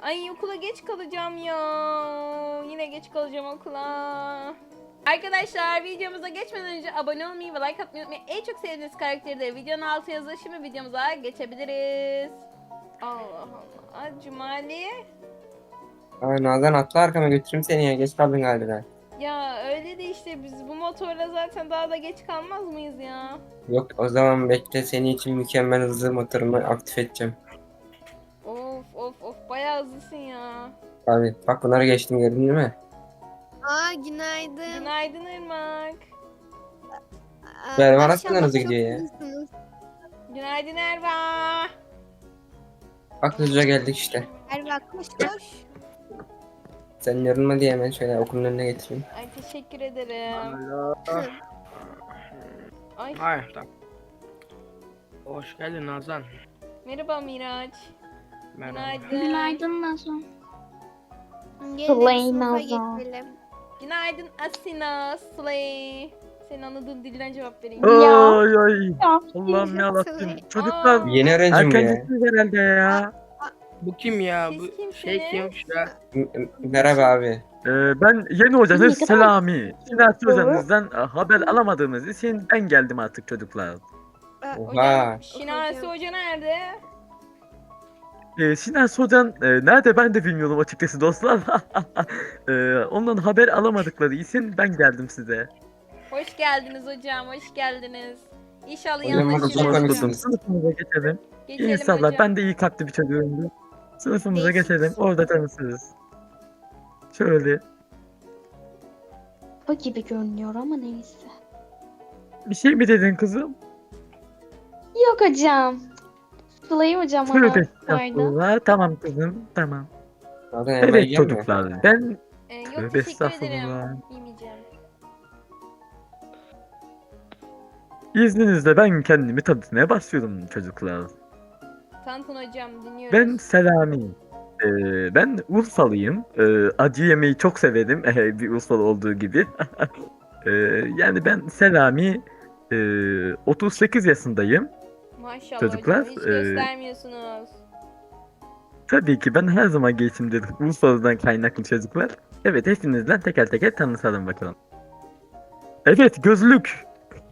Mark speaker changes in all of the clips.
Speaker 1: Ay okula geç kalacağım ya. Yine geç kalacağım okula. Arkadaşlar videomuza geçmeden önce abone olmayı ve like atmayı unutmayın. En çok sevdiğiniz karakteri de videonun altına yazın. Şimdi videomuza geçebiliriz. Allah Allah. Cumali.
Speaker 2: Ay Nazan atla arkama götüreyim seni ya. Geç kaldın galiba.
Speaker 1: Ya öyle de işte biz bu motorla zaten daha da geç kalmaz mıyız ya?
Speaker 2: Yok o zaman bekle, senin için mükemmel hızlı motorumu aktif edeceğim.
Speaker 1: Of of of bayağı hızlısın ya.
Speaker 2: Abi bak, bunları geçtim, gördün değil mi?
Speaker 3: Günaydın.
Speaker 1: Günaydın Irmak.
Speaker 2: Berber nasıl
Speaker 3: Maşallah
Speaker 2: hızlı
Speaker 3: çok
Speaker 2: gidiyor ya?
Speaker 3: hızlısınız.
Speaker 1: Günaydın Erva.
Speaker 2: Bak hızlıca geldik işte.
Speaker 3: Erva koş koş.
Speaker 2: Sen yorulma diye hemen şöyle okulun önüne getireyim.
Speaker 1: Ay teşekkür ederim. Ay
Speaker 4: Hayır, tamam. Hoş geldin Nazan.
Speaker 1: merhaba Miraç.
Speaker 4: Merhaba.
Speaker 1: Günaydın.
Speaker 5: Günaydın Nazan.
Speaker 3: Gelin
Speaker 5: Slay
Speaker 3: sınıfa
Speaker 5: Nazan.
Speaker 3: geçelim.
Speaker 1: Günaydın Asina Slay. Senin anladığın dilden cevap vereyim.
Speaker 5: Ya.
Speaker 6: Ay ay.
Speaker 5: Ya.
Speaker 6: Allah'ım ne Allah'ım.
Speaker 3: Slay.
Speaker 6: Çocuklar
Speaker 1: Aa,
Speaker 2: Yeni öğrenci mi bu ya?
Speaker 6: erkencisiniz herhalde ya.
Speaker 4: Bu kim ya?
Speaker 1: Siz
Speaker 4: Bu
Speaker 1: kimsiniz?
Speaker 4: şey kimmiş ya?
Speaker 2: Merhaba abi.
Speaker 6: Ben yeni hocanız
Speaker 5: Ne kadar-
Speaker 6: Selami. Sinasi
Speaker 5: Doğru.
Speaker 6: hocanızdan haber alamadığımız için ben geldim artık çocuklar.
Speaker 2: Oha.
Speaker 1: Şinasi
Speaker 3: Hocam.
Speaker 1: Hoca nerede?
Speaker 6: Sinasi hocan nerede ben de bilmiyorum açıkçası dostlar. Ondan haber alamadıkları için ben geldim size.
Speaker 1: Hoş geldiniz hocam, hoş geldiniz. İnşallah
Speaker 2: Hocam,
Speaker 1: yanlış
Speaker 2: burada
Speaker 1: bir
Speaker 2: çok
Speaker 1: şey
Speaker 2: komik.
Speaker 1: yok.
Speaker 6: Sınıfımıza geçelim.
Speaker 1: Geçelim
Speaker 6: İnşallah
Speaker 1: hocam.
Speaker 6: ben de iyi kalpli bir çocuğumdur. Sınıfımıza
Speaker 3: Değişik.
Speaker 6: geçelim. Orada tanışırız. Şöyle
Speaker 5: O gibi görünüyor ama neyse.
Speaker 6: bir şey mi dedin kızım?
Speaker 5: Yok hocam. Slay hocam
Speaker 6: Tövbe
Speaker 5: ona vardı.
Speaker 6: estağfurullah. Tamam kızım, tamam.
Speaker 2: Nazan elma
Speaker 6: Evet
Speaker 2: yiyecek mi?
Speaker 6: çocuklar, ben
Speaker 1: Yok
Speaker 6: Tövbe
Speaker 1: teşekkür ederim.
Speaker 6: estağfurullah.
Speaker 1: Yemeyeceğim.
Speaker 6: izninizle ben kendimi tanıtmaya başlıyorum çocuklar.
Speaker 1: Tanıtın hocam dinliyoruz.
Speaker 6: Ben Selami. Ben Urfalıyım. Acı yemeyi çok severim. Bir Urfalı olduğu gibi. Ee, Yani ben Selami. 38 yaşındayım.
Speaker 1: Maşallah
Speaker 6: çocuklar,
Speaker 1: hocam hiç göstermiyorsunuz.
Speaker 6: Tabii ki ben her zaman geçimdedir. Urfalı'dan kaynaklı çocuklar. Evet, hepinizden teker teker tanışalım bakalım. Evet, gözlük.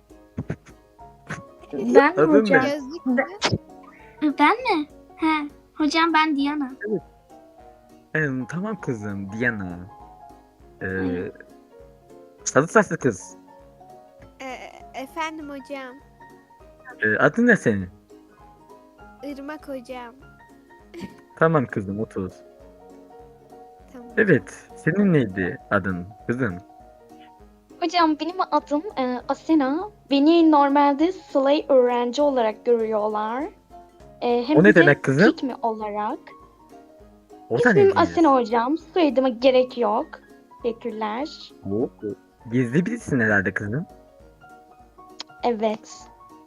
Speaker 5: Ben mi
Speaker 6: Adın
Speaker 5: hocam?
Speaker 6: ne?
Speaker 3: Gözlük mü?
Speaker 5: Ben mi? He. Hocam ben Diana.
Speaker 6: Tamam kızım, Diana.
Speaker 5: Hı.
Speaker 6: Sarı saçlı kız.
Speaker 3: Efendim hocam.
Speaker 6: Adın ne senin?
Speaker 3: Irmak hocam.
Speaker 6: Tamam kızım, otur.
Speaker 3: Tamam.
Speaker 6: Evet, senin neydi adın kızım?
Speaker 5: Hocam benim adım Asena. Beni normalde Slay öğrenci olarak görüyorlar. Hem
Speaker 6: O ne
Speaker 5: de
Speaker 6: demek kızım?
Speaker 5: Pick me olarak.
Speaker 6: O da ne
Speaker 5: İsmim
Speaker 6: diyor?
Speaker 5: Asena hocam. Soyadıma gerek yok. Teşekkürler.
Speaker 6: Gizli birisin herhalde kızım.
Speaker 5: Evet.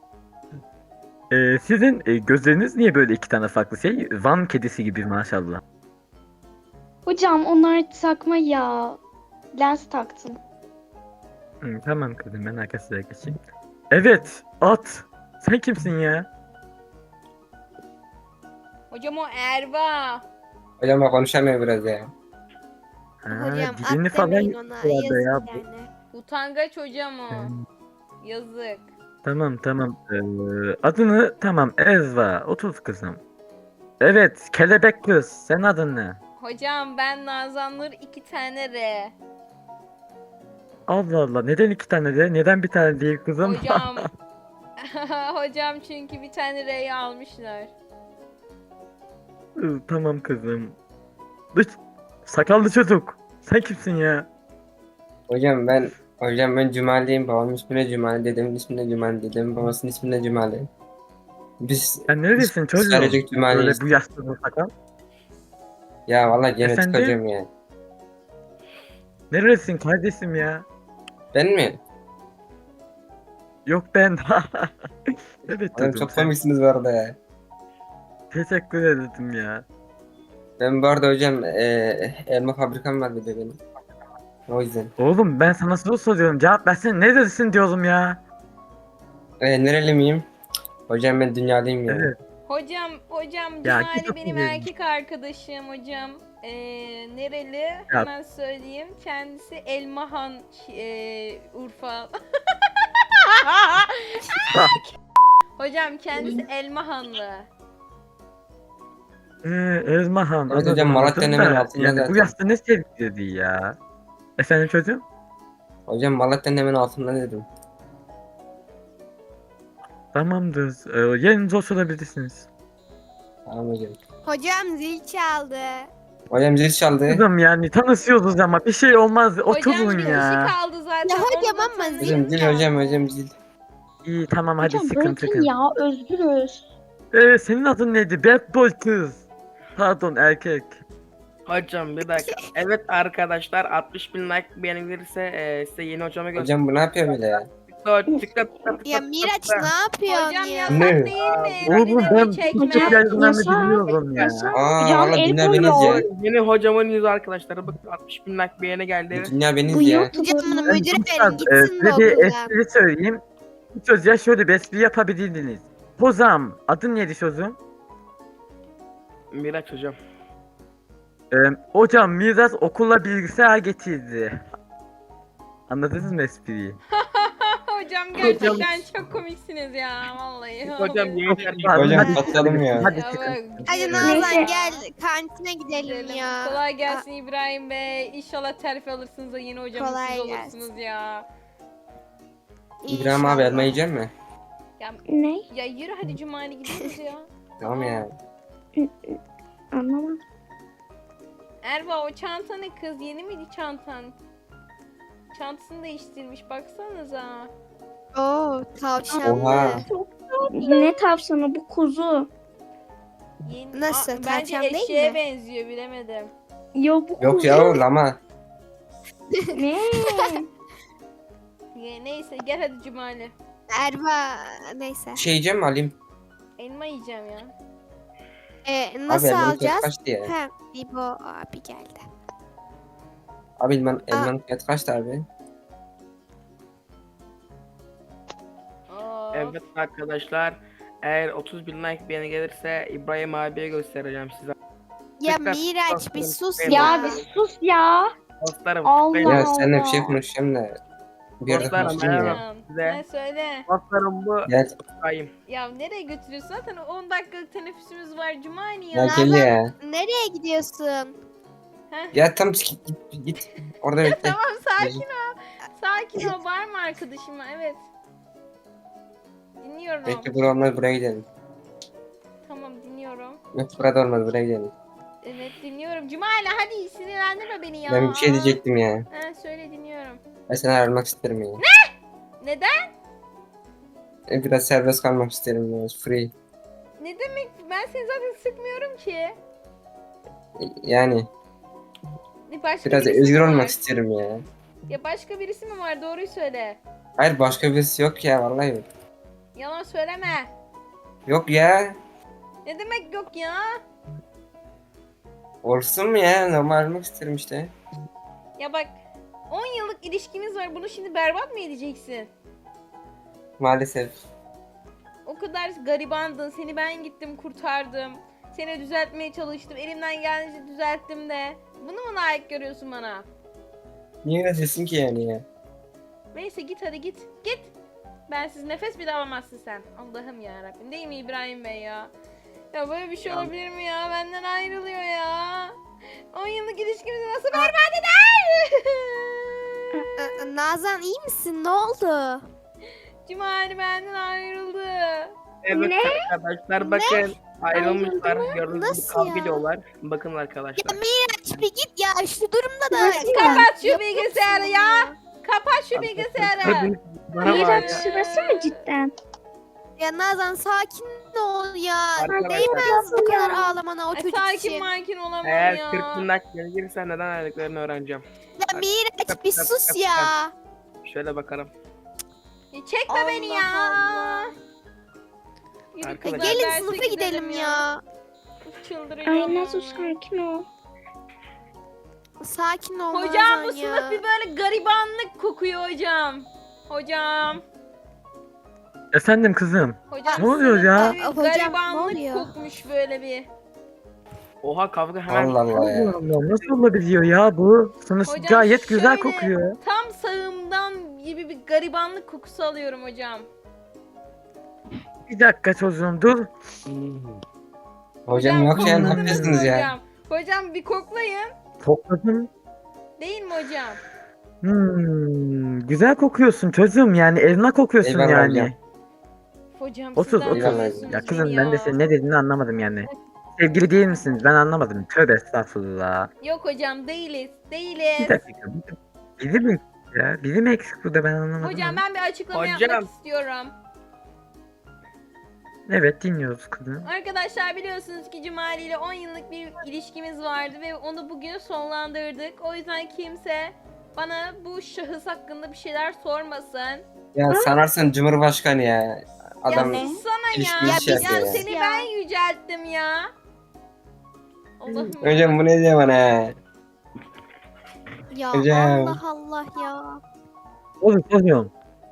Speaker 6: Sizin gözleriniz niye böyle iki tane farklı şey? Van kedisi gibi maşallah.
Speaker 5: Hocam onlar takma ya. Lens taktım.
Speaker 6: Tamam kızım, ben arkasına geçeyim. Evet, at. Sen kimsin ya?
Speaker 1: Hocam o Erva.
Speaker 2: Hocam bak, konuşamıyor biraz ya.
Speaker 6: Ha,
Speaker 3: Hocam
Speaker 6: dilini
Speaker 3: at
Speaker 6: falan
Speaker 3: demeyin ona.
Speaker 6: yapıyorlar
Speaker 3: Yazık
Speaker 6: da ya.
Speaker 3: yani.
Speaker 1: Utangaç hocam o.
Speaker 6: Hmm,
Speaker 1: Yazık.
Speaker 6: Tamam. Adını tamam, Ezra. Otur kızım. Evet, kelebek kız. Sen adın ne?
Speaker 1: Hocam ben Nazanlar 2 tane R.
Speaker 6: Allah Allah, neden iki tane de? Neden bir tane değil kızım?
Speaker 1: Hocam. Hocam çünkü bir tane R'yi almışlar.
Speaker 6: Tamam kızım. Dış, sakallı çocuk. Sen kimsin ya?
Speaker 2: Hocam ben Cumali'yim. Babamın ismi de Cumali, dedemin ismi de Cumali, dedemin babasının ismi de Cumali. Biz
Speaker 6: Sen neredesin çocuğum?
Speaker 2: sadece
Speaker 6: Böyle
Speaker 2: Cumali'yiz.
Speaker 6: bu yaşta bu sakal.
Speaker 2: Ya vallahi genetik
Speaker 6: Efendim?
Speaker 2: hocam ya.
Speaker 6: Neredesin kardeşim ya?
Speaker 2: Ben mi?
Speaker 6: Yok ben. Evet
Speaker 2: Hocam
Speaker 6: çocuğum,
Speaker 2: çok
Speaker 6: sen.
Speaker 2: komiksiniz bu arada ya.
Speaker 6: Teşekkür ederim ya.
Speaker 2: Ben bu arada hocam elma fabrikam var bir de benim. O yüzden.
Speaker 6: Oğlum ben sana soru soruyorum. Cevap versene. Neredesin diyorum ya.
Speaker 2: Nereli miyim? Hocam ben dünyalıyım ya.
Speaker 6: Evet.
Speaker 1: Hocam
Speaker 6: Ya,
Speaker 1: Cumali
Speaker 6: git
Speaker 1: benim
Speaker 6: okuyun.
Speaker 1: erkek arkadaşım hocam. Nereli? Hemen söyleyeyim. Kendisi Elmahan Urfa. Hocam kendisi Elmahanlı.
Speaker 6: Ezmahan.
Speaker 2: Evet hocam,
Speaker 6: anladım,
Speaker 2: Malatya'nın
Speaker 6: anladım
Speaker 2: hemen
Speaker 6: da,
Speaker 2: altında
Speaker 6: yani bu
Speaker 2: zaten.
Speaker 6: yaşta ne sevgiliydi ya? Efendim çocuğum?
Speaker 2: Hocam Malatya'nın hemen altında dedim.
Speaker 6: Tamamdır. Yerinize oturabilirsiniz.
Speaker 2: Tamam hocam.
Speaker 3: Hocam zil çaldı.
Speaker 2: Hocam zil çaldı.
Speaker 6: Kızım yani tanışıyoruz ama bir şey olmaz. Oturun
Speaker 1: Hocam bir
Speaker 6: ya.
Speaker 1: kişi kaldı zaten.
Speaker 3: Ya hocam
Speaker 1: onu da
Speaker 3: ama
Speaker 1: tanıyın.
Speaker 2: Hocam zil, hocam zil.
Speaker 6: İyi tamam hadi
Speaker 5: Hocam
Speaker 6: sıkıntı
Speaker 5: bırakın
Speaker 6: yok.
Speaker 5: ya, özgürüz.
Speaker 6: Senin adın neydi? Bad boy kız. Pardon erkek.
Speaker 4: Hocam bir dakika. Evet arkadaşlar 60.000 like beğeni gelirse size yeni hocamı göstereceğim.
Speaker 2: Hocam bu ne yapıyor böyle ya?
Speaker 3: Ya Miraç ne yapıyorsun
Speaker 1: Hocam
Speaker 3: ya?
Speaker 1: yasak
Speaker 2: Ne?
Speaker 1: değil mi?
Speaker 6: Oğlum ben
Speaker 1: Birini
Speaker 6: bu
Speaker 1: çekmek.
Speaker 6: çocuk yayınlarını
Speaker 5: Yasak,
Speaker 6: biliyorum ya.
Speaker 5: yasak.
Speaker 2: Aa
Speaker 5: Hocam
Speaker 2: valla
Speaker 5: el
Speaker 2: dünya beniz ya.
Speaker 5: koyuyor.
Speaker 4: Yeni hocamın yüzü arkadaşlar. Bakın 60.000 like beğeni geldi.
Speaker 2: Dünya
Speaker 5: Bu
Speaker 2: beniz ya.
Speaker 3: Hocam
Speaker 5: YouTuber.
Speaker 3: bunu
Speaker 6: Ben
Speaker 3: müdüre
Speaker 6: Gülşah,
Speaker 3: verin gitsin de
Speaker 6: size bir
Speaker 3: okuldan.
Speaker 6: espri söyleyeyim. Bu çocuğa şöyle bir espri yapabilirdiniz. Hocam, adın neydi çocuğum?
Speaker 4: Miraç hocam.
Speaker 6: Hocam Miras okula bilgisayar getirdi. Anladınız mı espriyi?
Speaker 1: Hocam gerçekten çok komiksiniz ya vallahi.
Speaker 4: Hocam yeni
Speaker 2: Hocam patlayalım ya.
Speaker 6: Hadi
Speaker 1: Ya
Speaker 6: çıkın.
Speaker 1: bak,
Speaker 3: Hadi
Speaker 1: gidiyoruz
Speaker 3: Nazan
Speaker 1: ya.
Speaker 3: gel kantine gidelim ya.
Speaker 1: Kolay gelsin İbrahim Bey. İnşallah terfi alırsınız da yeni hocamız
Speaker 3: Kolay
Speaker 1: siz
Speaker 3: gelsin.
Speaker 1: olursunuz ya.
Speaker 2: İbrahim abi elma yiyecek mi?
Speaker 1: Ya,
Speaker 5: Ne?
Speaker 1: ya yürü hadi Cumali gidiyoruz ya.
Speaker 2: Tamam ya.
Speaker 5: Anlamadım.
Speaker 1: Erva o çanta ne kız? Yeni miydi çantan? Çantasını değiştirmiş baksanıza.
Speaker 3: Oo tavşanlı.
Speaker 2: Oha.
Speaker 5: Ne tavşanı, bu kuzu.
Speaker 1: Yeni...
Speaker 3: Nasıl,
Speaker 1: Bence
Speaker 3: tavşan değil
Speaker 1: eşeğe
Speaker 3: mi?
Speaker 1: benziyor bilemedim.
Speaker 5: Yo bu
Speaker 2: Yok
Speaker 5: kuzu.
Speaker 2: ya lama.
Speaker 5: Ne?
Speaker 1: Neyse gel hadi Cumali.
Speaker 3: Erva neyse.
Speaker 2: Şey yiyeceğim mi alayım?
Speaker 1: Elma yiyeceğim ya.
Speaker 3: Nasıl
Speaker 2: elmanın fiyatı
Speaker 3: alacağız?
Speaker 2: kaçtı ya?
Speaker 3: He, İbo abi geldi.
Speaker 2: Abi elmanın fiyatı kaçtı abi?
Speaker 1: Of.
Speaker 4: Evet arkadaşlar. Eğer 30.000 like beğeni gelirse İbrahim abiye göstereceğim size.
Speaker 3: Ya
Speaker 4: Tekrar
Speaker 3: Miraç bir sus
Speaker 4: dostlarım,
Speaker 3: ya.
Speaker 5: Ya bir sus ya.
Speaker 4: Dostlarım.
Speaker 5: Allah
Speaker 4: ben-
Speaker 2: Ya seninle bir şey
Speaker 5: Allah.
Speaker 2: konuşacağım da. Bir yerde
Speaker 4: Dostlarım,
Speaker 2: konuşayım ya.
Speaker 4: merhaba.
Speaker 1: Ne söyle.
Speaker 4: Dostlarım bu
Speaker 2: Gel.
Speaker 4: İbrahim.
Speaker 1: Ya nereye götürüyorsun? Zaten 10 dakikalık teneffüsümüz var Cumali
Speaker 2: Ya
Speaker 1: ya.
Speaker 2: gel ya.
Speaker 3: Nereye gidiyorsun?
Speaker 1: Heh.
Speaker 2: Ya tam git. Orada bekle.
Speaker 1: Tamam sakin ol. Sakin ol. Var mı arkadaşıma? Evet. Dinliyorum.
Speaker 2: Bekle burada olmaz, buraya gidelim.
Speaker 1: Tamam dinliyorum.
Speaker 2: Yok burada olmaz, buraya gidelim.
Speaker 1: Evet dinliyorum. Cumali hadi sinirlendirme beni ya.
Speaker 2: Ben bir şey diyecektim ya.
Speaker 1: Ha, söyle dinliyorum.
Speaker 2: Ben seni ayrılmak isterim ya.
Speaker 1: Neden?
Speaker 2: Biraz serbest kalmak isterim ya. Free.
Speaker 1: Ne demek? Ben seni zaten sıkmıyorum ki.
Speaker 2: Yani
Speaker 1: Başka
Speaker 2: biraz
Speaker 1: birisi
Speaker 2: özgür
Speaker 1: mi
Speaker 2: olmak
Speaker 1: var?
Speaker 2: istiyorum ya.
Speaker 1: Ya başka birisi mi var? Doğruyu söyle.
Speaker 2: Hayır başka birisi yok ya, vallahi yok.
Speaker 1: Yalan söyleme.
Speaker 2: Yok ya.
Speaker 1: Ne demek yok ya?
Speaker 2: Olsun mu ya? Normal ayrılmak isterim işte.
Speaker 1: Ya bak 10 yıllık ilişkimiz var. Bunu şimdi berbat mı edeceksin?
Speaker 2: Maalesef.
Speaker 1: O kadar garibandın. Seni ben gittim kurtardım. Seni düzeltmeye çalıştım. Elimden geldiğince düzelttim de. Bunu mu layık görüyorsun bana?
Speaker 2: Niye öyle diyorsun ki yani ya?
Speaker 1: Neyse git hadi git. Git. Bensiz nefes bile alamazsın sen. Allah'ım ya Rabbim. Değil mi İbrahim Bey ya? Ya böyle bir şey
Speaker 4: Ya.
Speaker 1: olabilir mi ya? Benden ayrılıyor ya. 10 yıllık ilişkimizi nasıl berbat eder?
Speaker 3: Nazan iyi misin? Ne oldu?
Speaker 1: Cumali benden ayrıldı.
Speaker 4: Evet
Speaker 5: Ne?
Speaker 4: arkadaşlar bakın ayrılmışlar. Gördüğünüz gibi
Speaker 3: Nasıl
Speaker 4: kavga
Speaker 3: ya?
Speaker 4: ediyorlar. Bakın arkadaşlar.
Speaker 3: Ya Miraç bir git ya şu durumda da.
Speaker 1: Kapat şu bilgisayarı ya. Kapat şu bilgisayarı.
Speaker 4: Bana bak
Speaker 5: Miraç
Speaker 4: ya.
Speaker 5: sırası mı cidden?
Speaker 3: Ya Nazan sakin ol ya.
Speaker 4: Arkadaşlar.
Speaker 3: Değmez bu kadar ağlamana o
Speaker 1: Ay,
Speaker 3: çocuk
Speaker 1: sakin
Speaker 3: için.
Speaker 1: makin olamam
Speaker 4: Eğer
Speaker 1: ya.
Speaker 4: 40.000 like beğeni gelirse neden ayrılıklarını öğreneceğim.
Speaker 3: Ya Miraç bir sus ya.
Speaker 4: Şöyle bakalım.
Speaker 1: Çekme beni ya.
Speaker 3: Allah.
Speaker 1: Yürü
Speaker 4: Arkadaşlar.
Speaker 1: kızlar,
Speaker 3: Gelin
Speaker 1: derse
Speaker 3: sınıfa gidelim ya.
Speaker 1: Çıldırıyorum.
Speaker 5: Ay
Speaker 1: ya.
Speaker 5: Nazo sakin ol.
Speaker 3: Sakin ol
Speaker 1: Hocam
Speaker 3: Nazan
Speaker 1: bu
Speaker 3: ya.
Speaker 1: sınıf bir böyle garibanlık kokuyor hocam. Hocam.
Speaker 6: Efendim kızım.
Speaker 1: Hocam
Speaker 6: Ne oluyor
Speaker 1: sınıfta
Speaker 6: ya?
Speaker 1: bir
Speaker 3: Hocam, ne
Speaker 1: garibanlık
Speaker 3: oluyor?
Speaker 1: kokmuş böyle bir.
Speaker 4: Oha kavga hemen.
Speaker 2: Allah Allah
Speaker 6: Allah
Speaker 2: ya.
Speaker 6: Allah, nasıl olabiliyor ya bu? Sınıf
Speaker 1: Hocam
Speaker 6: gayet güzel
Speaker 1: şöyle
Speaker 6: kokuyor.
Speaker 1: Tam sağımdan gibi bir garibanlık kokusu alıyorum hocam.
Speaker 6: Bir dakika çocuğum dur.
Speaker 2: Hocam yok ya, ne
Speaker 1: kokladınız mı
Speaker 2: yapıyorsunuz ya?
Speaker 1: hocam? Hocam bir koklayın.
Speaker 6: Kokladım.
Speaker 1: Değil mi hocam?
Speaker 6: Güzel kokuyorsun çocuğum, yani elma kokuyorsun
Speaker 2: Eyvallah
Speaker 6: yani.
Speaker 2: hocam.
Speaker 1: Hocam
Speaker 6: Otur
Speaker 1: sizden
Speaker 6: otur.
Speaker 2: Eyvallah.
Speaker 1: tanıyorsunuz
Speaker 6: Ya kızım
Speaker 1: beni
Speaker 6: ben de senin ne dediğini anlamadım yani. Sevgili değil misiniz? Ben anlamadım. Tövbe estağfurullah.
Speaker 1: Yok hocam değiliz.
Speaker 6: Bir
Speaker 1: Değiliz.
Speaker 6: dakika. Biri mi ya? Biri mi eksik burada, ben anlamadım.
Speaker 1: Hocam
Speaker 6: ama.
Speaker 1: ben bir açıklama
Speaker 4: Hocam.
Speaker 1: yapmak istiyorum.
Speaker 6: Evet, dinliyoruz kızım.
Speaker 1: Arkadaşlar biliyorsunuz ki Cumali ile 10 yıllık bir ilişkimiz vardı ve onu bugün sonlandırdık. O yüzden kimse bana bu şahıs hakkında bir şeyler sormasın.
Speaker 2: Ya sanarsın Cumhurbaşkanı ya. Adam
Speaker 1: ya sana
Speaker 2: ilişki
Speaker 1: ya.
Speaker 2: işi
Speaker 1: Ya,
Speaker 2: yapıyor ya.
Speaker 1: seni
Speaker 3: Ya.
Speaker 1: ben yücelttim ya. Allah'ım ya.
Speaker 2: hocam bu ne diyor bana ya?
Speaker 3: Ya
Speaker 2: Hocam.
Speaker 3: Allah Allah ya.
Speaker 6: Oğlum soruyorum.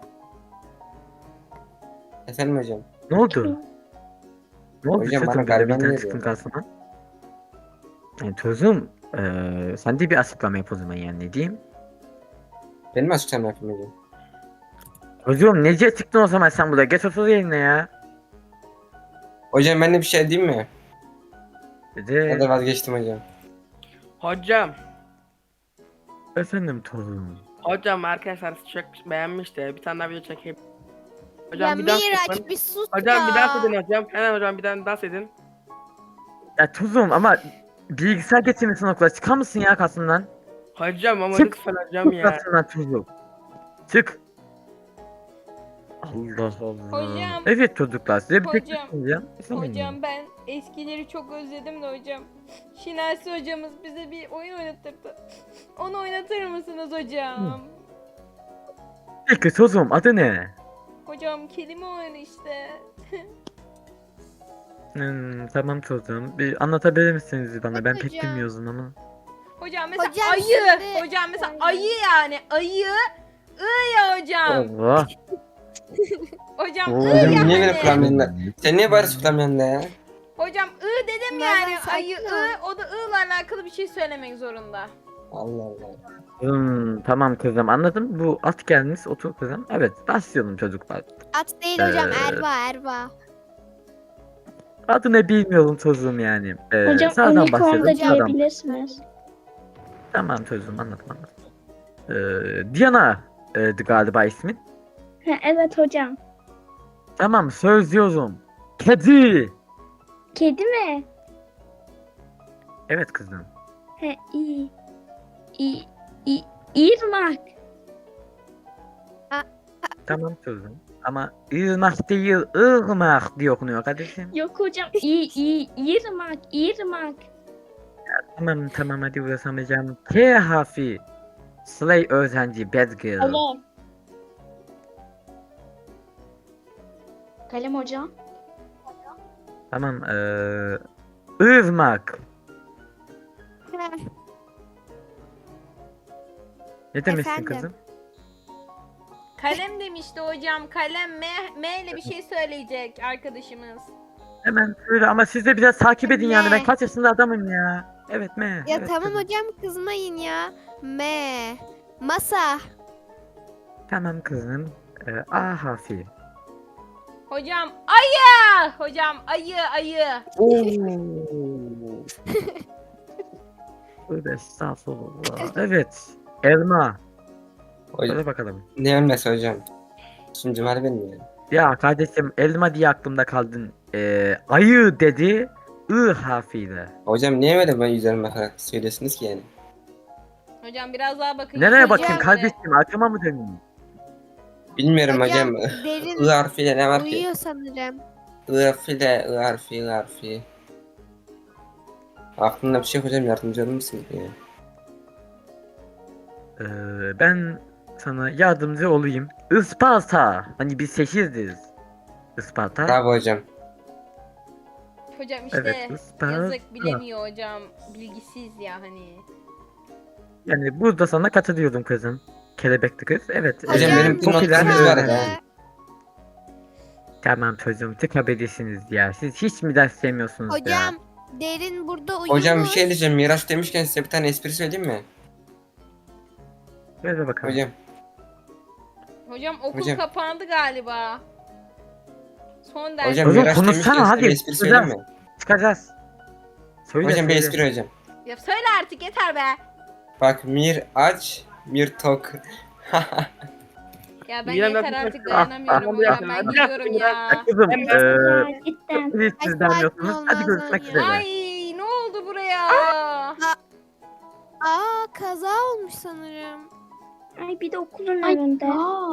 Speaker 2: Efendim hocam.
Speaker 6: Ne oldu? Ne oldu
Speaker 2: Hocam, bana
Speaker 6: çocuğum, böyle
Speaker 2: galiba
Speaker 6: birden
Speaker 2: ne
Speaker 6: çıktın
Speaker 2: diyor?
Speaker 6: karşıma? Yani çocuğum sen de bir açıklama yap o zaman, yani ne diyeyim?
Speaker 2: Benim açıkçam yapayım hocam.
Speaker 6: Çocuğum nece çıktın o zaman sen burada? Geç otur yerine ya.
Speaker 2: Hocam ben de bir şey diyeyim mi? Ya
Speaker 6: Dedi.
Speaker 2: da vazgeçtim hocam.
Speaker 4: Hocam.
Speaker 6: Efendim torunum.
Speaker 4: Hocam arkadaşlar çok beğenmiş de bir tane daha video çekeyim. Hocam
Speaker 3: Ya
Speaker 4: bir dans
Speaker 3: Miraç
Speaker 4: edin.
Speaker 3: bir sus
Speaker 4: Hocam bir
Speaker 3: ya.
Speaker 4: dans edin hocam. Hemen hocam bir tane dans edin.
Speaker 6: Ya tuzum ama bilgisayar getirmişsin okula. Çıkar mısın ya kasından?
Speaker 4: Hocam ama
Speaker 6: Çık.
Speaker 4: lütfen hocam ya.
Speaker 6: Kasından tuzum. Çık. Allah Allah.
Speaker 1: Hocam.
Speaker 6: Evet çocuklar, size bir
Speaker 1: Hocam.
Speaker 6: teklif diyeceğim.
Speaker 1: Hocam ben eskileri çok özledim de hocam. Şinasi hocamız bize bir oyun oynatırdı. Onu oynatır mısınız hocam?
Speaker 6: Peki çocuğum, adı ne?
Speaker 1: Hocam kelime oyunu işte.
Speaker 6: Tamam çocuğum. Bir anlatabilir misiniz bana?
Speaker 3: Evet
Speaker 6: Ben pek
Speaker 3: hocam.
Speaker 6: bilmiyorum ama.
Speaker 1: Hocam mesela
Speaker 3: Hocam
Speaker 1: ayı.
Speaker 3: şimdi-
Speaker 1: Hocam mesela ayı yani. Ayı. Ya hocam.
Speaker 6: Allah.
Speaker 1: Hocam
Speaker 6: Oo.
Speaker 1: ya
Speaker 2: Hocam niye böyle
Speaker 1: hani.
Speaker 2: kulağım yanında? Sen niye bari kulağım yanında ya?
Speaker 1: Hocam dedim
Speaker 3: Ben
Speaker 1: yani.
Speaker 3: sakin
Speaker 1: Ayı
Speaker 3: ol.
Speaker 1: o da ile alakalı bir şey söylemek zorunda.
Speaker 2: Allah Allah.
Speaker 6: Tamam kızım, anladım. Bu at gelmiş, otur kızım. Evet, başlayalım çocuklar.
Speaker 3: At değil hocam
Speaker 6: Ee,
Speaker 3: Erva.
Speaker 6: Adı ne bilmiyorum çocuğum yani.
Speaker 5: Hocam
Speaker 6: Sağdan
Speaker 5: unicorn
Speaker 6: başlayalım.
Speaker 5: da
Speaker 6: Sağdan.
Speaker 5: diyebilirsiniz.
Speaker 6: Tamam çocuğum, anladım. Diana galiba ismin.
Speaker 5: Ha, evet hocam.
Speaker 6: Tamam, söz diyorum. Kedi.
Speaker 5: Kedi mi?
Speaker 6: Evet kızım.
Speaker 5: Ha, iyi. İyi. İyi. İrmak.
Speaker 6: Tamam çocuğum. Ama ırmak değil, ırmak diye okunuyor kardeşim.
Speaker 5: Yok hocam. İyi. İrmak. İrmak.
Speaker 6: Tamam hadi uğraşamayacağım. K harfi. Slay öğrenci, bad girl.
Speaker 5: Kalem. Kalem hocam.
Speaker 6: Tamam, ırmak. Ne demişsin
Speaker 3: Efendim?
Speaker 6: kızım?
Speaker 1: Kalem demişti hocam. Kalem M ile bir şey söyleyecek arkadaşımız.
Speaker 6: Hemen söyle ama siz de biraz takip edin yani, ben
Speaker 3: Ne?
Speaker 6: kaç yaşında adamım ya. Evet mi?
Speaker 3: Ya
Speaker 6: Evet,
Speaker 3: tamam
Speaker 6: kızım.
Speaker 3: hocam kızmayın ya. Masa.
Speaker 6: Tamam kızım. A harfi.
Speaker 1: Hocam ayı. Hocam ayı.
Speaker 6: Tövbe estağfurullah. Evet. Elma.
Speaker 2: Hocam,
Speaker 6: Hadi bakalım.
Speaker 2: ne ölmesi hocam? Şimdi Cumali benim ya.
Speaker 6: Ya kardeşim, elma diye aklımda kaldın. Ayı dedi. I harfiyle.
Speaker 2: Hocam niye böyle ben yüzlerime bakarak söylüyorsunuz ki yani?
Speaker 1: Hocam biraz daha bakın.
Speaker 6: Nereye
Speaker 1: Hocam,
Speaker 6: bakayım
Speaker 1: böyle-
Speaker 6: kardeşim? Aklıma mı döneyim?
Speaker 2: Bilmiyorum hocam.
Speaker 3: Derin
Speaker 2: I harfiyle ne var ki?
Speaker 3: uyuyor sanırım.
Speaker 2: I harfi. Aklımda bir şey yok hocam, yardımcı olur musun ya?
Speaker 6: Ben sana yardımcı olayım. Isparta. Hani biz şehirdiz. Isparta.
Speaker 2: Bravo hocam.
Speaker 1: Hocam işte
Speaker 6: Evet, Isparta.
Speaker 1: yazık bilemiyor hocam. Bilgisiz ya hani.
Speaker 6: Yani burada sana katılıyordum kızım. Kelebekli kız. Evet.
Speaker 2: Hocam, benim
Speaker 6: popüler
Speaker 2: notlarım
Speaker 6: bir
Speaker 2: var
Speaker 6: öğrenci.
Speaker 2: ya.
Speaker 6: Tamam çocuğum tıkabilirsiniz ya. Siz hiç mi ders sevmiyorsunuz ya?
Speaker 3: Hocam derin burada uyumuş.
Speaker 2: Hocam bir şey diyeceğim. Miraç demişken size bir tane espri söyleyeyim mi?
Speaker 6: Ver bakalım.
Speaker 2: Hocam.
Speaker 1: Hocam okul
Speaker 2: Hocam.
Speaker 1: kapandı galiba. Son ders.
Speaker 2: Hocam
Speaker 6: Hocam
Speaker 2: Miraç
Speaker 6: konuşsana,
Speaker 2: demişken size
Speaker 6: hadi.
Speaker 2: bir espri söyleyeyim mi?
Speaker 6: Çıkacağız. Söyle
Speaker 2: Hocam bir
Speaker 6: söyle.
Speaker 2: espri hocam.
Speaker 1: Ya söyle artık yeter be.
Speaker 2: Bak Miraç, Mir tok.
Speaker 1: Ya ben
Speaker 4: Yine
Speaker 1: yeter
Speaker 4: ben-
Speaker 1: artık dayanamıyorum
Speaker 4: Bir
Speaker 1: hocam.
Speaker 4: dakika,
Speaker 1: Ben
Speaker 4: bir dakika,
Speaker 1: gidiyorum
Speaker 4: bir
Speaker 1: ya.
Speaker 6: Ya kızım
Speaker 5: Ya cidden.
Speaker 6: hiç siz
Speaker 3: Ay,
Speaker 6: beğenmiyorsunuz.
Speaker 3: sakin
Speaker 6: Hadi
Speaker 3: olmaz
Speaker 6: görüşmek
Speaker 3: ya.
Speaker 6: üzere.
Speaker 1: Ay ne oldu buraya?
Speaker 3: Aa kaza olmuş sanırım.
Speaker 5: Ay bir de okulun önünde.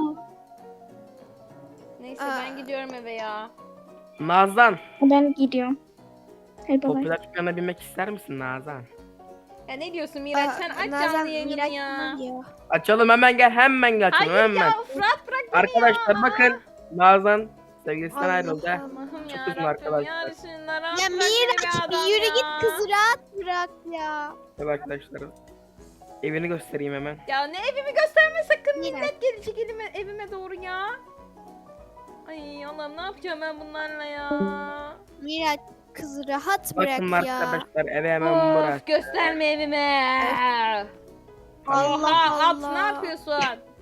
Speaker 1: Neyse
Speaker 3: Aa.
Speaker 1: ben gidiyorum eve ya.
Speaker 4: Nazan,
Speaker 5: Ben gidiyorum. Hadi bay bay.
Speaker 4: popüler dükkana binmek ister misin Nazan?
Speaker 1: Ya ne diyorsun Miraç? Sen aç canlı yayını ya.
Speaker 4: Açalım hemen gel, hemen gel açalım
Speaker 1: Hayır
Speaker 4: hemen.
Speaker 1: ya Fırat bırak beni
Speaker 4: Arkadaşlar
Speaker 1: ya.
Speaker 4: bakın, Nazan sevgilisinden
Speaker 3: Allah
Speaker 4: ayrıldı.
Speaker 1: Allah'ım
Speaker 4: Çok
Speaker 1: ya
Speaker 4: üzgün
Speaker 1: Rabbim
Speaker 4: arkadaşlar.
Speaker 1: ya Resulallah. rahat
Speaker 3: Ya
Speaker 1: bırak beni be
Speaker 3: Miraç bir
Speaker 1: adam
Speaker 3: yürü
Speaker 1: ya.
Speaker 3: git kızı rahat bırak ya.
Speaker 4: Evet arkadaşlar. Evini göstereyim hemen.
Speaker 1: Ya ne evimi gösterme sakın,
Speaker 3: Miraç.
Speaker 1: millet gelecek evime doğru ya. Ay Allah'ım ne yapacağım ben bunlarla ya.
Speaker 3: Miraç kızı rahat bırak
Speaker 4: Bakın
Speaker 3: ya.
Speaker 4: arkadaşlar eve hemen bırak.
Speaker 1: Of gösterme evime.
Speaker 3: Allah
Speaker 1: Oha, at
Speaker 3: Allah.
Speaker 1: ne yapıyorsun?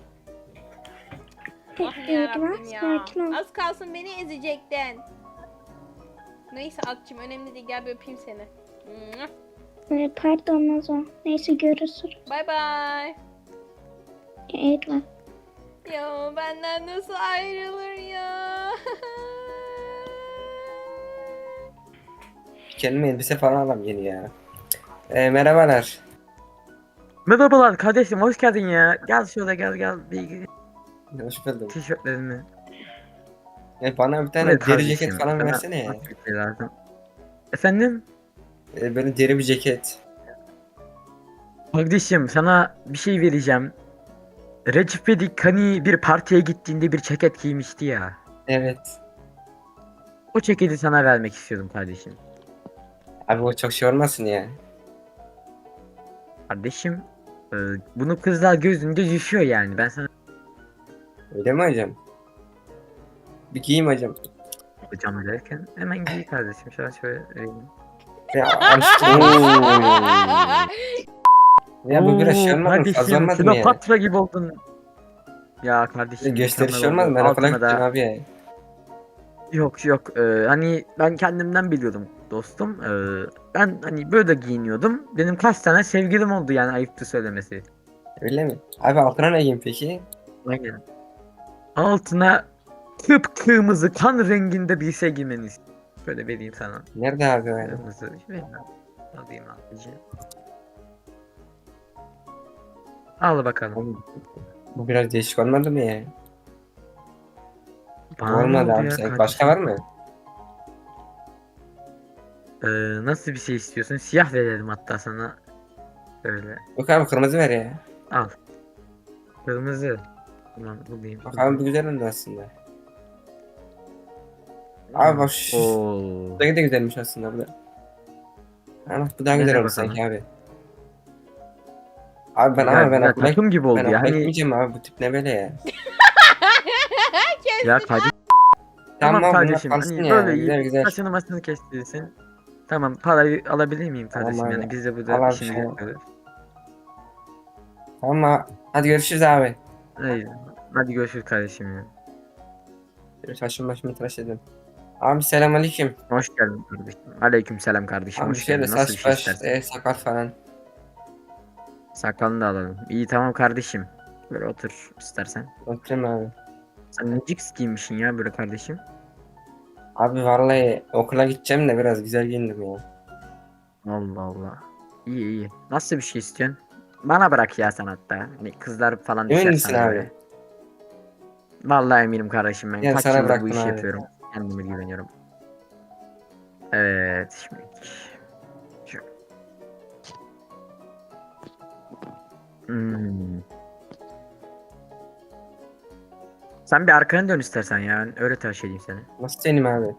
Speaker 1: Allah'ım
Speaker 5: Bekle
Speaker 1: yarabbim
Speaker 5: biraz
Speaker 1: ya.
Speaker 5: sakin ol.
Speaker 1: Az kalsın beni ezecektin. Neyse atçım önemli değil, gel bir öpeyim seni.
Speaker 5: Pardon Nazo. Neyse görüşürüz.
Speaker 1: Bay bay.
Speaker 5: Eyvallah.
Speaker 1: Ya benden nasıl ayrılır ya?
Speaker 2: Kendime elbise falan alayım yeni ya. Merhabalar.
Speaker 6: Merhabalar kardeşim, hoş geldin ya. Gel şöyle gel. Bir
Speaker 2: Hoş buldum.
Speaker 6: tişörtlerini.
Speaker 2: Bana bir tane
Speaker 6: Evet
Speaker 2: deri
Speaker 6: kardeşim,
Speaker 2: ceket falan
Speaker 6: sana
Speaker 2: versene ya.
Speaker 6: nasıl bir şey lazım? Efendim?
Speaker 2: Böyle deri bir ceket.
Speaker 6: Kardeşim sana bir şey vereceğim. Recep İvedik hani bir partiye gittiğinde bir ceket giymişti ya.
Speaker 2: Evet.
Speaker 6: O ceketi sana vermek istiyordum kardeşim.
Speaker 2: Abi o çok şey olmasın ya.
Speaker 6: Kardeşim bunu kızlar gözünde düşüyor yani. Ben sana
Speaker 2: Öyle mi hocam? Bir giyeyim hocam.
Speaker 6: hocam derken hemen giy kardeşim. Şöyle vereyim.
Speaker 2: Ya aşkım. Ya bu biraz şey olmadı mı? Fazla
Speaker 6: Kardeşim
Speaker 2: olmadı mı ya?
Speaker 6: Kleopatra gibi oldun. Ya kardeşim.
Speaker 2: Gösteriş
Speaker 6: mükemmel
Speaker 2: olmaz
Speaker 6: oldu.
Speaker 2: mı? Ben okula
Speaker 6: Altına da-
Speaker 2: gideceğim abi ya.
Speaker 6: Yok hani ben kendimden biliyordum dostum. Ben hani böyle giyiniyordum. Benim kaç tane sevgilim oldu yani, ayıptı söylemesi.
Speaker 2: Öyle mi? Abi altına ne giyeyim peki?
Speaker 6: Aynen. Altına kıpkırmızı kan renginde bir şey giymeniz. Böyle vereyim sana.
Speaker 2: Nerede abi o ya?
Speaker 6: Kırmızı. Şöyle alayım abici. Al bakalım.
Speaker 2: Oğlum, bu biraz değişik olmadı mı ya?
Speaker 6: Bana ne
Speaker 2: Olmadı
Speaker 6: oldu
Speaker 2: abi
Speaker 6: ya
Speaker 2: sanki.
Speaker 6: kardeşim?
Speaker 2: Başka var mı?
Speaker 6: Nasıl bir şey istiyorsun? Siyah verelim hatta sana. Böyle.
Speaker 2: Yok abi kırmızı ver ya.
Speaker 6: Al. Kırmızı. Tamam bulayım.
Speaker 2: Bak abi bu güzel oldu aslında. Abi bak şu.
Speaker 6: Oo.
Speaker 2: Bu da güzelmiş aslında bu da. Ha bak bu daha güzel
Speaker 6: Nereye
Speaker 2: oldu
Speaker 6: bakalım?
Speaker 2: sanki abi. Abi ben
Speaker 6: Ya,
Speaker 2: ama ben
Speaker 6: güzel,
Speaker 2: okula
Speaker 6: takım gibi oldu
Speaker 2: ben
Speaker 6: ya.
Speaker 2: okula
Speaker 6: Hani
Speaker 2: gitmeyeceğim abi bu tip ne böyle ya.
Speaker 6: ya kardeşim.
Speaker 2: Tamam,
Speaker 6: Tamam
Speaker 2: bunlar
Speaker 6: kardeşim.
Speaker 2: kalsın
Speaker 6: Hani
Speaker 2: ya.
Speaker 6: böyle
Speaker 2: Güzel güzel.
Speaker 6: saçını maçını kestirsin. Tamam, parayı alabilir miyim
Speaker 2: Tamam
Speaker 6: kardeşim?
Speaker 2: abi.
Speaker 6: Yani biz de
Speaker 2: Al
Speaker 6: burada
Speaker 2: abi,
Speaker 6: işimizi
Speaker 2: şey-
Speaker 6: yapıyoruz.
Speaker 2: Tamam hadi görüşürüz abi.
Speaker 6: Hayır. Hadi görüşürüz kardeşim ya.
Speaker 2: Saçımı başımı tıraş edin. Abi selamünaleyküm.
Speaker 6: Hoş geldin kardeşim. Aleyküm selam kardeşim.
Speaker 2: Abi
Speaker 6: Hoş
Speaker 2: şöyle
Speaker 6: geldin. Nasıl bir
Speaker 2: saç
Speaker 6: şey
Speaker 2: baş
Speaker 6: istersen?
Speaker 2: sakal falan.
Speaker 6: Sakalını da alalım. İyi tamam kardeşim. Böyle otur istersen.
Speaker 2: Oturayım abi.
Speaker 6: Sen ne cix giymişsin ya böyle kardeşim.
Speaker 2: Abi vallahi okula gideceğim de biraz güzel giyindim ya.
Speaker 6: Allah Allah. İyi iyi. Nasıl bir şey istiyorsun? Bana bırak ya sen hatta. Hani kızlar falan
Speaker 2: Emin
Speaker 6: düşer
Speaker 2: misin
Speaker 6: sana
Speaker 2: abi?
Speaker 6: böyle. Vallahi eminim kardeşim ben.
Speaker 2: Ya
Speaker 6: Kaç
Speaker 2: sana
Speaker 6: yıldır bu
Speaker 2: bıraktım
Speaker 6: işi
Speaker 2: abi.
Speaker 6: yapıyorum. Kendime güveniyorum. Evet şimdi. Şu. Hmm. Sen bir arkanı dön istersen ya. Öyle tıraş edeyim seni.
Speaker 2: Nasıl senin abi?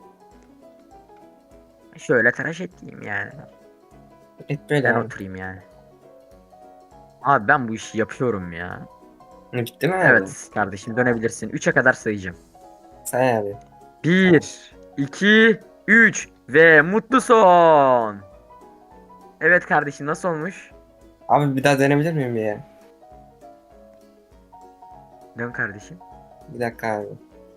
Speaker 6: Şöyle tıraş edeyim yani.
Speaker 2: Et böyle
Speaker 6: Ben
Speaker 2: abi.
Speaker 6: oturayım yani. Abi ben bu işi yapıyorum ya.
Speaker 2: Bitti mi abi?
Speaker 6: Evet kardeşim dönebilirsin. 3'e kadar sayacağım.
Speaker 2: Say abi.
Speaker 6: 1, 2, 3 ve mutlu son. Evet kardeşim, nasıl olmuş?
Speaker 2: Abi bir daha denebilir miyim ya?
Speaker 6: Dön kardeşim.
Speaker 2: Bir dakika abi.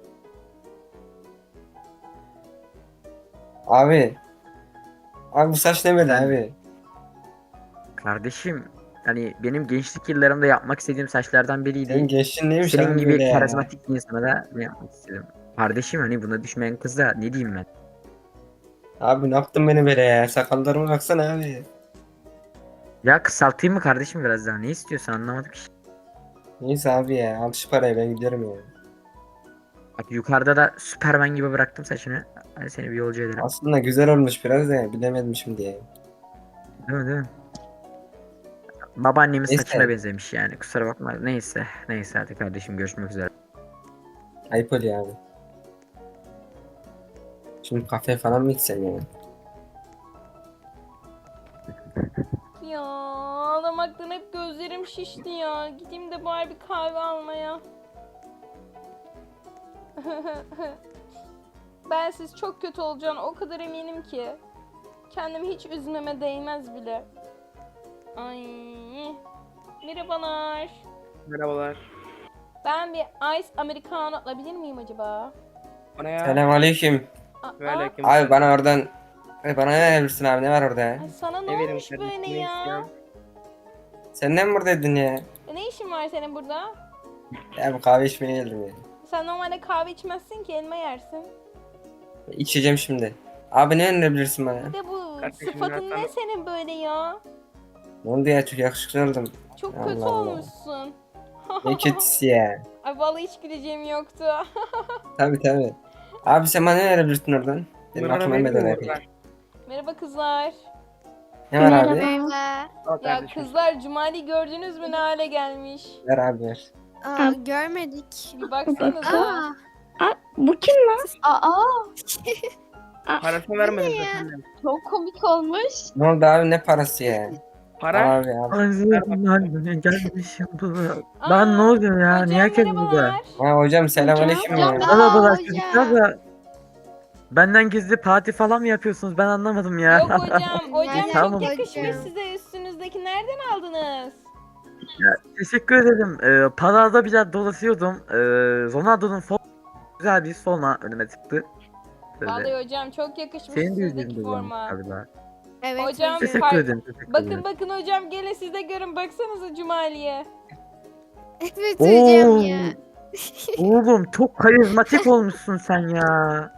Speaker 2: Abi. Abi bu saç ne böyle abi?
Speaker 6: Kardeşim, hani benim gençlik yıllarımda yapmak istediğim saçlardan biriydi.
Speaker 2: Senin gençliğin neymiş
Speaker 6: Senin
Speaker 2: abi
Speaker 6: gibi
Speaker 2: böyle ya?
Speaker 6: karizmatik bir insana da ne yapmak istedim. Kardeşim, hani buna düşmeyen kıza ne diyeyim ben?
Speaker 2: Abi ne yaptın beni böyle ya? Sakallarıma baksana abi.
Speaker 6: Ya kısaltayım mı kardeşim biraz daha? Ne istiyorsun, anlamadım ki.
Speaker 2: Neyse abi ya. Al şu parayı ben giderim ya.
Speaker 6: Bak yukarıda da Süperman gibi bıraktım saçını. Hadi seni bir yolcu ederim.
Speaker 2: Aslında güzel olmuş biraz da bilemedim şimdi ya.
Speaker 6: Değil mi, değil mi? Babaannemin
Speaker 2: Neyse.
Speaker 6: saçına benzemiş yani, kusura bakma. Neyse. Neyse hadi kardeşim, görüşmek üzere.
Speaker 2: Ayıp oluyor abi. Şimdi kafe falan mı gitsem ya?
Speaker 1: Ya ağlamaktan hep gözlerim şişti ya. Gideyim de bari bir kahve almaya. Bensiz çok kötü olacağını o kadar eminim ki. Kendimi hiç üzmeme değmez bile. Ay. Merhabalar.
Speaker 4: Merhabalar.
Speaker 1: Ben bir Ice Americano alabilir miyim acaba?
Speaker 4: O ne ya?
Speaker 2: Selamünaleyküm.
Speaker 1: Aa,
Speaker 4: Ve aleyküm
Speaker 2: Abi
Speaker 4: selam.
Speaker 2: bana oradan... Bana ne verebilirsin abi? Ne var orada?
Speaker 1: ay sana ne
Speaker 4: Ne vereyim
Speaker 1: olmuş
Speaker 4: kardeşim,
Speaker 1: böyle
Speaker 4: ne
Speaker 1: ya?
Speaker 4: istiyorsun?
Speaker 2: Sen de mi buradaydın ya?
Speaker 1: Ne işin var senin burada?
Speaker 2: Ya bu kahve içmeye geldim ya.
Speaker 1: Sen normalde kahve içmezsin ki, elma yersin.
Speaker 2: İçeceğim şimdi. Abi ne önerebilirsin bana?
Speaker 1: Bir de bu
Speaker 4: Kardeşim,
Speaker 1: sıfatın
Speaker 4: ben
Speaker 1: ne
Speaker 4: sana-
Speaker 1: senin böyle ya?
Speaker 2: Ne oldu ya? Çok yakışıklı oldum.
Speaker 1: Çok
Speaker 2: Allah
Speaker 1: kötü
Speaker 2: Allah.
Speaker 1: olmuşsun.
Speaker 2: Ne kötüsü ya.
Speaker 1: Ay vallahi hiç güleceğim yoktu.
Speaker 2: Tabii. Abi sen bana ne verebilirsin oradan? Benim
Speaker 4: Bunlara
Speaker 2: aklıma
Speaker 4: veriyor
Speaker 2: gelmedi
Speaker 4: mu?
Speaker 2: abi.
Speaker 4: Ver.
Speaker 1: Merhaba kızlar.
Speaker 2: Ne var abi?
Speaker 3: Merhaba.
Speaker 4: Al
Speaker 1: Ya
Speaker 4: kardeşim.
Speaker 1: kızlar Cumali gördünüz mü ne hale gelmiş?
Speaker 2: Ver abi ver.
Speaker 3: Aa, görmedik.
Speaker 1: Bir baksanıza.
Speaker 3: Aa.
Speaker 5: Aa, bu kim lan?
Speaker 4: Parasını vermedim
Speaker 3: ya?
Speaker 4: zaten.
Speaker 5: Çok komik olmuş.
Speaker 2: Ne oldu abi ne parası ya?
Speaker 4: Para?
Speaker 2: Abi abi.
Speaker 6: Ağzımdan gelmişim bu.
Speaker 1: Aa,
Speaker 6: Lan ne oluyor ya?
Speaker 1: hocam,
Speaker 6: Niye herkes burada?
Speaker 1: merhabalar.
Speaker 2: Ha hocam selamünaleyküm ya.
Speaker 3: Hocam.
Speaker 6: Merhabalar
Speaker 3: hocam.
Speaker 6: çocuklar da. Benden gizli parti falan mı yapıyorsunuz? Ben anlamadım ya.
Speaker 1: Yok hocam. Hocam
Speaker 3: Aynen,
Speaker 6: Tamam.
Speaker 1: çok yakışmış
Speaker 3: hocam.
Speaker 1: size. Üstünüzdeki nereden aldınız?
Speaker 6: Teşekkür ederim. Pazarda biraz dolaşıyordum. Ronaldo'nun güzel bir forma önüme çıktı. Böyle.
Speaker 1: Vallahi hocam çok yakışmış
Speaker 6: Senin de
Speaker 1: üstünüzdeki
Speaker 6: yüzünde görmüş
Speaker 1: forma.
Speaker 6: galiba.
Speaker 3: Evet
Speaker 1: Hocam,
Speaker 3: hocam.
Speaker 6: Teşekkür ederim. Teşekkür
Speaker 1: Bakın
Speaker 6: ederim.
Speaker 1: bakın hocam, gelin siz de görün. Baksanıza Cumali'ye.
Speaker 3: Evet hocam
Speaker 6: Oo.
Speaker 3: ya.
Speaker 6: Oğlum çok karizmatik olmuşsun sen ya.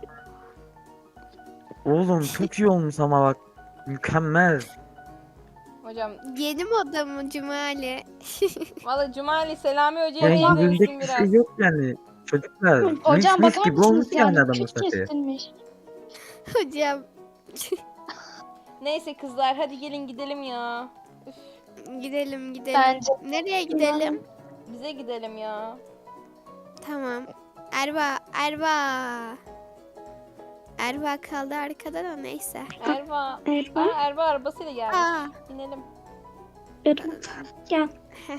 Speaker 6: Oğlum çok iyi olmuş ama bak. Mükemmel.
Speaker 1: Hocam
Speaker 3: Yeni moda mı Cumali?
Speaker 1: valla Cumali Selami Hoca'ya
Speaker 6: Yani
Speaker 1: benzemişsin
Speaker 6: yüzündeki bir
Speaker 1: biraz.
Speaker 6: şey yok yani. Çocuklar.
Speaker 5: Hocam
Speaker 6: mis
Speaker 5: bakar
Speaker 6: gibi olmuş
Speaker 5: mısınız
Speaker 6: yani
Speaker 5: yani?
Speaker 6: adamın
Speaker 5: Küt
Speaker 6: saçı.
Speaker 5: kesilmiş.
Speaker 3: Hocam
Speaker 1: Neyse kızlar hadi gelin gidelim ya. Üf,
Speaker 3: gidelim.
Speaker 5: Bence.
Speaker 3: Nereye gidelim?
Speaker 1: bize gidelim ya.
Speaker 3: Tamam. Erba. Erba kaldı arkada da neyse.
Speaker 1: Erva.
Speaker 5: Erva.
Speaker 1: Aa, Erva arabasıyla gelmiş.
Speaker 3: Aa.
Speaker 1: İnelim.
Speaker 5: Gel.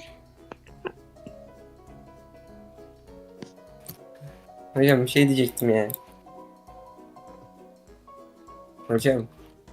Speaker 2: Hocam bir şey diyecektim ya. Hocam.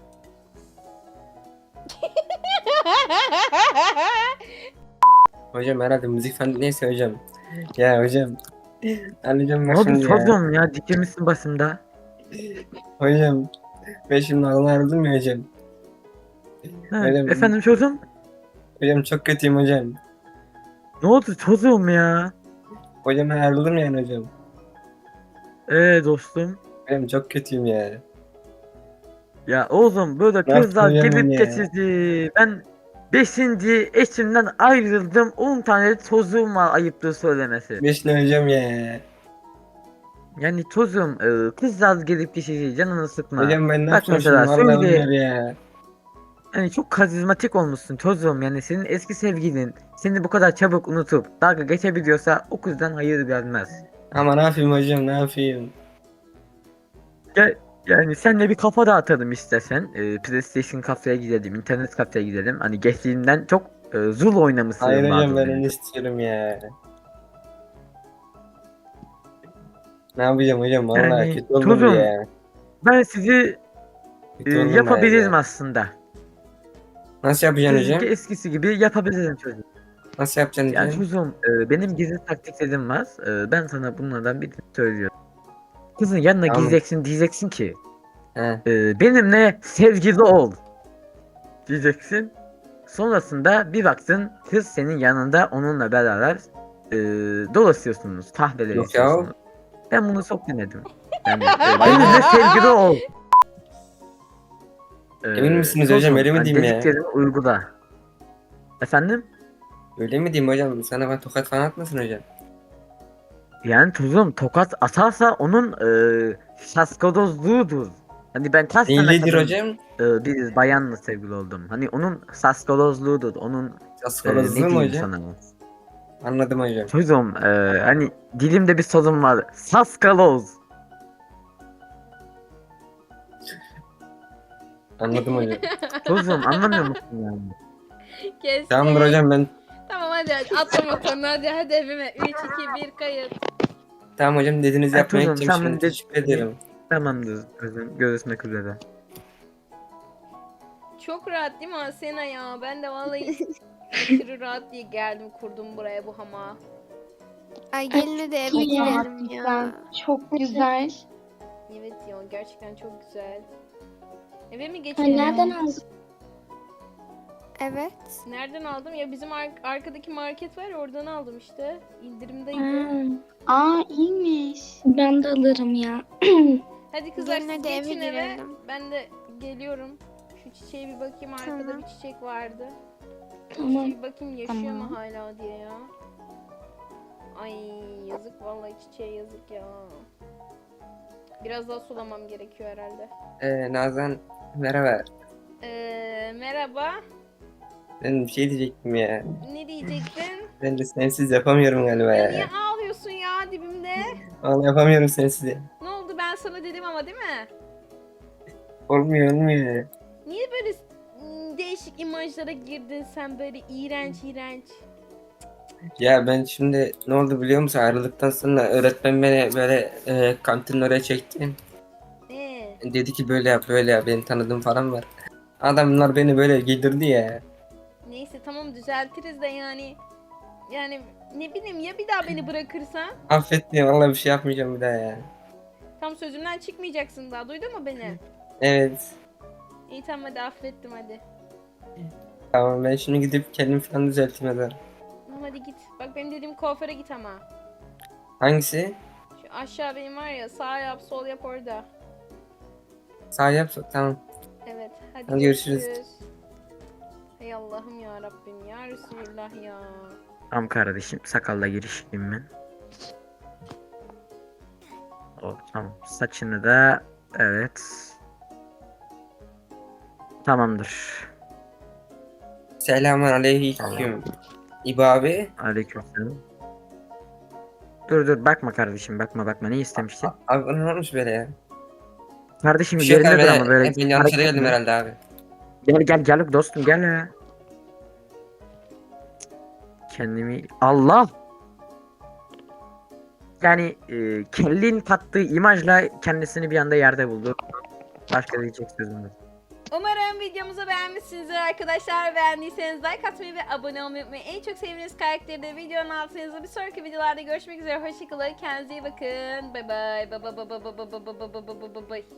Speaker 2: Hocam herhalde müzik falan neyse hocam. Ya hocam. Hocam
Speaker 6: Ne
Speaker 2: bak
Speaker 6: oldu
Speaker 2: şimdi ya.
Speaker 6: çocuğum ya? Dikilmişsin başımda.
Speaker 2: Hocam. Ben şimdi ayrıldım ya hocam.
Speaker 6: Ha,
Speaker 2: Öyle mi?
Speaker 6: efendim çocuğum?
Speaker 2: Hocam çok kötüyüm hocam.
Speaker 6: Ne oldu çocuğum ya?
Speaker 2: Hocam ben ayrıldım yani hocam.
Speaker 6: Dostum.
Speaker 2: Hocam çok kötüyüm ya.
Speaker 6: Ya oğlum böyle
Speaker 2: Ne
Speaker 6: kızlar
Speaker 2: yaptın
Speaker 6: gelip
Speaker 2: ya?
Speaker 6: geçici. Ben 5. eşimden ayrıldım. 10 tane çocuğum var, ayıptır söylemesi.
Speaker 2: Beşine hocam ya.
Speaker 6: Yani çocuğum, kızlar gelip geçici, canını sıkma.
Speaker 2: Hocam ben ne
Speaker 6: Bak
Speaker 2: yapacağım şimdi
Speaker 6: mesela
Speaker 2: vallahi
Speaker 6: söyle.
Speaker 2: billahi ya.
Speaker 6: Yani çok karizmatik olmuşsun çocuğum, yani senin eski sevgilin seni bu kadar çabuk unutup dalga geçebiliyorsa o kızdan hayır gelmez.
Speaker 2: Ama ne yapayım hocam ne yapayım.
Speaker 6: Gel, yani senle bir kafa dağıtalım istersen. PlayStation kafeye gidelim, internet kafeye gidelim. Hani geçtiğinden çok zul oynamışsın
Speaker 2: Hayır hocam
Speaker 6: bazen
Speaker 2: ben
Speaker 6: beni.
Speaker 2: onu istiyorum ya. Ne yapacağım hocam? Vallahi
Speaker 6: Yani
Speaker 2: kötü oldu bu
Speaker 6: Tuzum,
Speaker 2: ya.
Speaker 6: ben sizi
Speaker 2: Kötü oldum
Speaker 6: yapabilirim
Speaker 2: bayağı.
Speaker 6: aslında.
Speaker 2: Nasıl yapacaksın
Speaker 6: Sizinki
Speaker 2: hocam?
Speaker 6: eskisi gibi yapabilirim çocuğum.
Speaker 2: Nasıl yapacaksın
Speaker 6: Yani
Speaker 2: hocam?
Speaker 6: Tuzum, benim gizli taktiklerim var. Ben sana bunlardan birini söylüyorum. Kızın yanına
Speaker 2: Tamam.
Speaker 6: gideceksin, diyeceksin ki
Speaker 2: He.
Speaker 6: benimle sevgili ol diyeceksin. Sonrasında bir baktın kız senin yanında onunla beraber dolaşıyorsunuz, kahveler
Speaker 2: Yok ya.
Speaker 6: içiyorsunuz. Ben bunu çok denedim. Yani benimle sevgili ol.
Speaker 2: Emin misiniz hocam?
Speaker 6: Tuzum,
Speaker 2: Öyle mi
Speaker 6: hani
Speaker 2: diyeyim ya?
Speaker 6: dediklerimi uygula. Efendim?
Speaker 2: Öyle mi diyeyim hocam? Sana ben tokat falan atmasın hocam?
Speaker 6: Yani Tuzum tokat atarsa onun şaskodozluğudur. Hani ben kaç sene
Speaker 2: Neylidir
Speaker 6: kadın
Speaker 2: hocam?
Speaker 6: bir bayanla sevgili oldum. Hani onun şaskodozluğudur. Onun
Speaker 2: Askolozlu
Speaker 6: ne
Speaker 2: mu
Speaker 6: diyeyim
Speaker 2: hocam?
Speaker 6: sana?
Speaker 2: Anladım hocam.
Speaker 6: Tuzum hani dilimde bir sorun var. Saskaloz.
Speaker 2: Anladım hocam.
Speaker 6: Tuzum anlamıyor musun yani?
Speaker 1: Kes.
Speaker 2: Tamamdır hocam ben.
Speaker 1: Tamam hadi atla motorunu hadi evime. 3, 2, 1 kayıt.
Speaker 2: Tamam hocam dediğinizi
Speaker 6: Ha,
Speaker 2: yapmaya
Speaker 6: Tuzum
Speaker 2: gideceğim
Speaker 6: sen
Speaker 2: şimdi.
Speaker 6: bunu
Speaker 2: Teşekkür ederim.
Speaker 6: Tamamdır kızım. Görüşmek üzere.
Speaker 1: Çok rahat değil mi Asena ya? Ben de vallahi aşırı rahat diye geldim kurdum buraya bu hamağı.
Speaker 3: Ay gelin de eve
Speaker 5: çok
Speaker 3: gidelim ya.
Speaker 5: güzel. Çok güzel.
Speaker 1: Evet ya gerçekten çok güzel. Eve mi
Speaker 5: Ha,
Speaker 1: geçelim?
Speaker 5: nereden aldın?
Speaker 3: Evet.
Speaker 1: Nereden aldım? Ya bizim arkadaki market var ya oradan aldım işte. İndirimdeydi.
Speaker 5: Ha. Aa iyiymiş. Ben de alırım ya.
Speaker 1: Hadi kızlar
Speaker 3: Gelin
Speaker 1: siz
Speaker 3: hadi eve
Speaker 1: geçin eve.
Speaker 3: girelim.
Speaker 1: Ben de geliyorum. Şu çiçeğe bir bakayım. Arkada
Speaker 3: Tamam.
Speaker 1: bir çiçek vardı.
Speaker 5: Tamam.
Speaker 1: Bir bakayım yaşıyor
Speaker 5: Tamam.
Speaker 1: mu hala diye ya. Ay yazık vallahi çiçeğe yazık ya. Biraz daha sulamam gerekiyor herhalde.
Speaker 2: Nazan merhaba.
Speaker 1: Merhaba.
Speaker 2: Ben bir şey diyecektim ya.
Speaker 1: Ne diyecektin?
Speaker 2: Ben de sensiz yapamıyorum galiba
Speaker 1: Ya niye
Speaker 2: ya.
Speaker 1: ağlıyorsun ya dibimde?
Speaker 2: Vallahi yapamıyorum sensiz ya.
Speaker 1: Ne oldu ben sana dedim ama değil mi?
Speaker 2: Olmuyor.
Speaker 1: Niye böyle değişik imajlara girdin sen böyle iğrenç iğrenç?
Speaker 2: Ya ben şimdi ne oldu biliyor musun? Ayrıldıktan sonra öğretmen beni böyle kantinin oraya çekti. Dedi ki böyle yap böyle yap. Benim tanıdığım falan var. Adamlar beni böyle giydirdi ya.
Speaker 1: Neyse tamam düzeltiriz de yani. Yani ne bileyim ya bir daha beni bırakırsan?
Speaker 2: Affet diye vallahi bir şey yapmayacağım bir daha ya.
Speaker 1: Tam sözümden çıkmayacaksın daha duydun mu beni?
Speaker 2: Evet.
Speaker 1: İyi tamam hadi affettim hadi.
Speaker 2: Tamam ben şimdi gidip kendimi falan düzelteyim hadi.
Speaker 1: Tamam hadi git. Bak benim dediğim kuaföre git ama.
Speaker 2: Hangisi?
Speaker 1: Şu aşağı benim var ya sağ yap sol yap orada.
Speaker 2: Sağ yap. Tamam.
Speaker 1: Evet hadi,
Speaker 2: Hadi görüşürüz.
Speaker 1: Hay Allah'ım ya Rabbim ya Resulullah ya.
Speaker 6: Tamam kardeşim sakalla girişeyim ben. Tamam saçını da evet. Tamamdır.
Speaker 2: Selamun aleyküm. İbo abi.
Speaker 6: Aleykümselam. Dur bakma kardeşim bakma ne istemiştin?
Speaker 2: Abi ne olmuş böyle ya?
Speaker 6: Kardeşim
Speaker 2: Bir şey yok
Speaker 6: yerinde
Speaker 2: abi.
Speaker 6: dur ama böyle
Speaker 2: Ben yanlış yere
Speaker 6: hareket
Speaker 2: geldim
Speaker 6: etme.
Speaker 2: herhalde abi.
Speaker 6: Gel dostum gel ya. Kendimi Allah. Yani kellin kattığı imajla kendisini bir anda yerde buldu. Başka diyecek sözüm yok.
Speaker 1: Umarım videomuzu beğenmişsinizdir arkadaşlar. Beğendiyseniz like atmayı ve abone olmayı unutmayın. En çok sevdiğiniz karakteri de videonun altına yazın. Bir sonraki videolarda görüşmek üzere. Hoşçakalın. Kendinize iyi bakın. Bay bay. Bay bay bay bay bay bay bay bay bay bay bay.